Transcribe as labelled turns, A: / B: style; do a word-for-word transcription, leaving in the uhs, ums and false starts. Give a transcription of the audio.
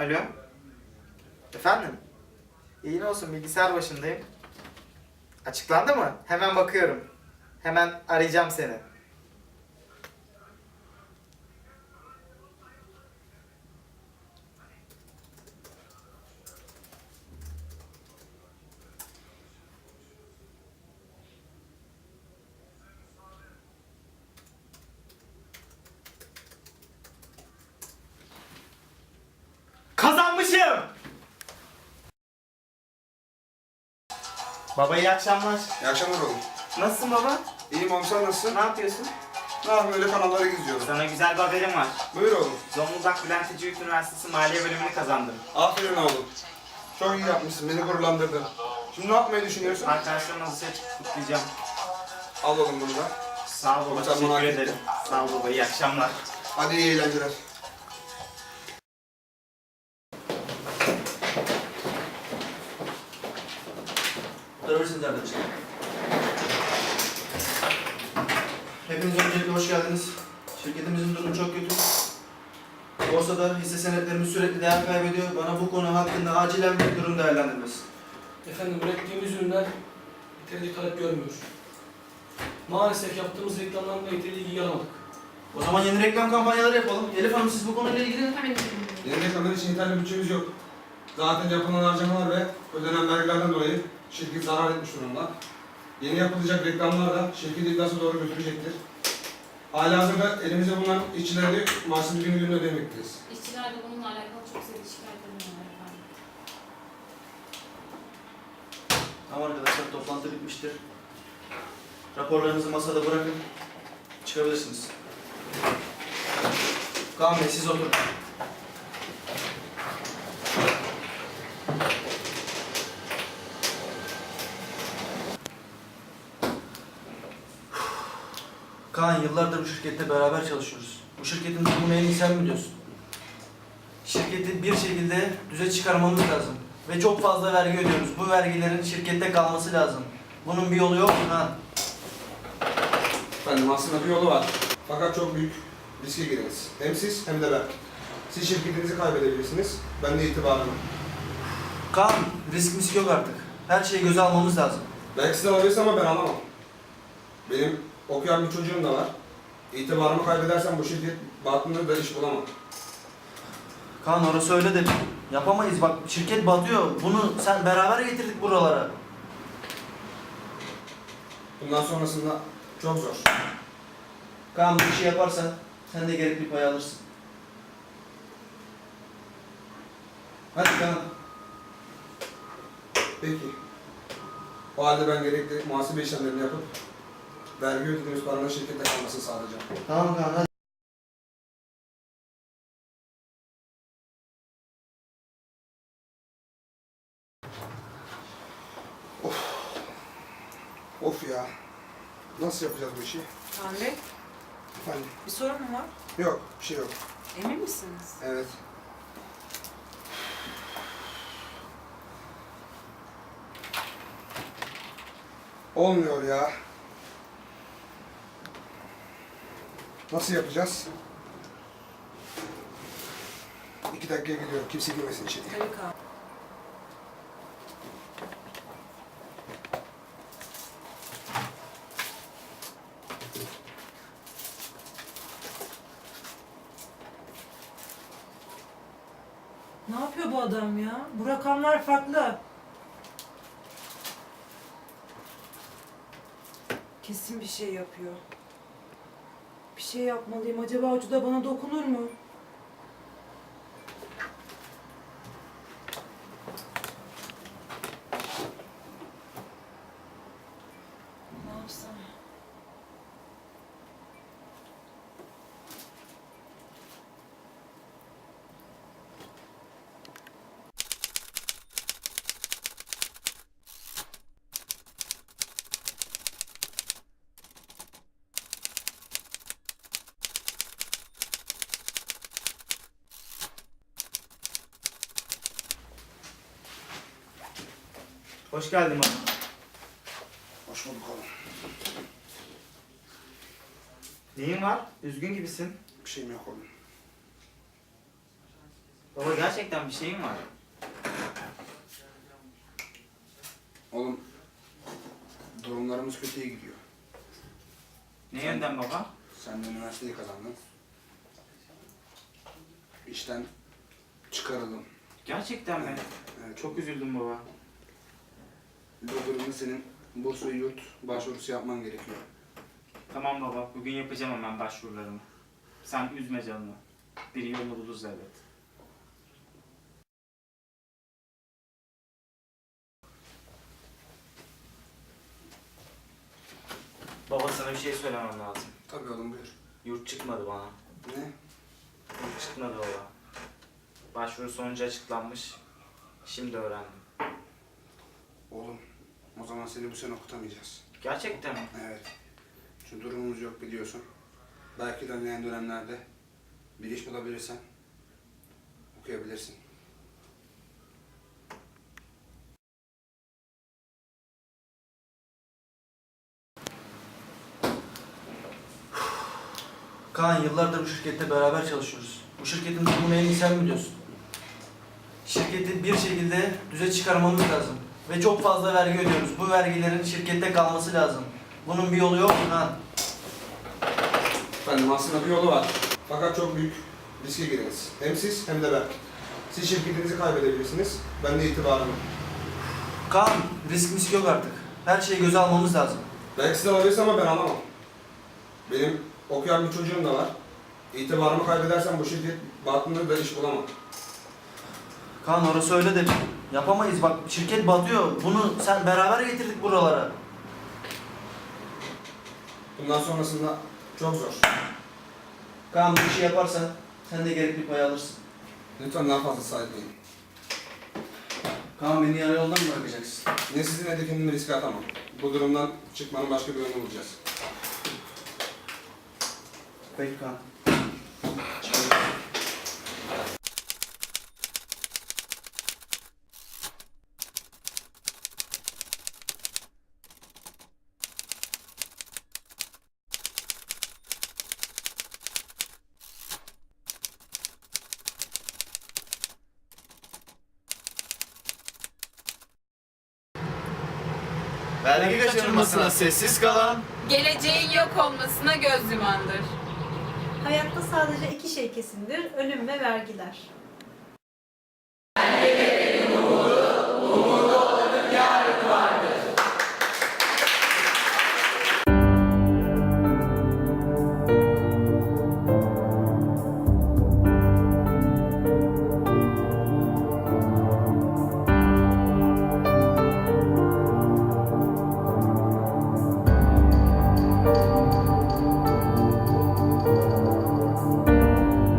A: Alo. Efendim? İyi ne olsun, bilgisayar başındayım. Açıklandı mı? Hemen bakıyorum. Hemen arayacağım seni. Kazanmışım! Baba iyi akşamlar.
B: İyi akşamlar oğlum.
A: Nasılsın baba?
B: İyiyim oğlum, sen nasılsın?
A: Ne yapıyorsun?
B: Ne yapayım, öyle kanallara geziyorum.
A: Sana güzel bir haberim var.
B: Buyur oğlum.
A: Zonguldak Bülent Ecevit Üniversitesi Maliye bölümünü kazandım.
B: Aferin oğlum. Çok iyi yapmışsın, beni gururlandırdın. Şimdi ne yapmayı düşünüyorsun?
A: Arkadaşlarımla dışarı çıkıp kutlayacağım.
B: Al oğlum bunu da.
A: Sağ ol baba,
B: Sen
A: teşekkür
B: bana hak
A: ederim.
B: ettin.
A: Sağ ol baba, iyi akşamlar.
B: Hadi iyi eğlenceler.
C: Durabilirsiniz arkadaşlar. Hepiniz öncelikle hoş geldiniz. Şirketimizin durumu çok kötü. Borsada hisse senetlerimiz sürekli değer kaybediyor. Bana bu konu hakkında acilen bir durum değerlendirmesi.
D: Efendim, ürettiğimiz ürünler yeterince talep görmüyor. Maalesef yaptığımız reklamlarla yeteri ilgi alamadık.
C: O zaman yeni reklam kampanyaları yapalım. Elif Hanım, siz bu konuyla ilgili...
B: Yeni reklamlar için yeterli bütçemiz yok. Zaten yapılan harcamalar ve ödenen vergilerden dolayı şirket zarar etmiş durumda. Yeni yapılacak reklamlar da şirketi iddiası doğru götürecektir. Halihazırda elimizde bulunan işçileri maaşını gün gün ödemekteyiz.
E: İşçilerle bununla alakalı çok sayıda şikayetlerim var efendim.
C: Tamam arkadaşlar, toplantı bitmiştir. Raporlarınızı masada bırakın. Çıkabilirsiniz. Kaan Bey, siz oturun. Kaan, yıllardır bu şirkette beraber çalışıyoruz. Bu şirketin durumunu en iyi sen biliyorsun. Şirketi bir şekilde düze çıkarmamız lazım. Ve çok fazla vergi ödüyoruz. Bu vergilerin şirkette kalması lazım. Bunun bir yolu yok mu Kaan?
B: Efendim, aslında bir yolu var. Fakat çok büyük riske gireriz. Hem siz hem de ben. Siz şirketinizi kaybedebilirsiniz, ben de itibarımı.
C: Kaan, risk misk yok artık. Her şeyi göze almamız lazım.
B: Belki siz alabilirsiniz ama ben alamam. Benim okuyan bir çocuğum da var. İtibarımı kaybedersem bu şirket batında da iş bulamam.
C: Kaan, orası öyle de yapamayız. Bak, şirket batıyor. Bunu sen beraber getirdik buralara.
B: Bundan sonrasında çok zor.
C: Kaan, bu işi yaparsan sen de gerekli pay alırsın. Hadi Kaan.
B: Peki. O halde ben gerekli muhasebe işlemlerini yapıp vergi ödediğimiz paranın şirkette kalmasını sağlayacağım.
C: Tamam Kaan, hadi.
B: Of ya. Nasıl yapacağız bu işi?
F: Kaan Bey,
B: Efendim?
F: bir sorun mu var?
B: Yok, bir şey yok.
F: Emin misiniz?
B: Evet. Olmuyor ya. Nasıl yapacağız? İki dakikaya gidiyorum. Kimse girmesin içeriye.
F: Tabii Kaan. Ne yapıyor bu adam ya? Bu rakamlar farklı. Kesin bir şey yapıyor. Bir şey yapmalıyım. Acaba ucu da bana dokunur mu? Ne yapsam?
A: Hoş geldin baba.
B: Hoş bulduk oğlum.
A: Neyin var? Üzgün gibisin.
B: Bir şeyim yok oğlum.
A: Baba gerçekten bir şeyin var.
B: Oğlum, durumlarımız kötüye gidiyor.
A: Ne yönden baba?
B: Sen de üniversiteyi kazandın. İşten çıkarıldım.
A: Gerçekten mi?
B: Evet.
A: Çok üzüldüm baba.
B: Bu durumda senin burs ve yurt başvurusu yapman gerekiyor.
A: Tamam baba, bugün yapacağım hemen başvurularımı. Sen üzme canını. Bir yolunu buluruz elbet. Baba sana bir şey söylemem lazım.
B: Tabii oğlum, buyur.
A: Yurt çıkmadı bana.
B: Ne?
A: Yurt çıkmadı baba. Başvuru sonucu açıklanmış. Şimdi öğrendim.
B: Oğlum, o zaman seni bu sene okutamayacağız.
A: Gerçekten mi?
B: Evet. Çünkü durumumuz yok biliyorsun. Belki ilerleyen dönemlerde bir iş bulabilirsen okuyabilirsin.
C: Kaan, yıllardır bu şirkette beraber çalışıyoruz. Bu şirketin durumunu en iyi sen biliyorsun. Şirketi bir şekilde düze çıkarmamız lazım. Ve çok fazla vergi ödüyoruz. Bu vergilerin şirkette kalması lazım. Bunun bir yolu yok mu Kaan?
B: Efendim, aslında bir yolu var. Fakat çok büyük riske gireriz. Hem siz hem de ben. Siz şirketinizi kaybedebilirsiniz. Ben de itibarımı.
C: Kaan, risk misk yok artık. Her şeyi göze almamız lazım.
B: Belki siz alabilirsiniz ama ben alamam. Benim okuyan bir çocuğum da var. İtibarımı kaybedersem bu şirket batında da iş bulamam.
C: Kaan, orası öyle de yapamayız. Bak, şirket batıyor. Bunu sen beraber getirdik buralara.
B: Bundan sonrasında çok zor.
C: Kaan, bu işi yaparsan sen de gerekli pay alırsın.
B: Lütfen daha fazla sahipleyin.
C: Kaan, beni yarı yoldan mı bırakacaksın?
B: Ne sizin ne de kendimi riske atamam. Bu durumdan çıkmanın başka bir yolunu bulacağız.
C: Peki Kaan.
A: Vergi kaçırılmasına sessiz kalan
G: Geleceğin yok olmasına göz yumandır.
H: Hayatta sadece iki şey kesindir, ölüm ve vergiler.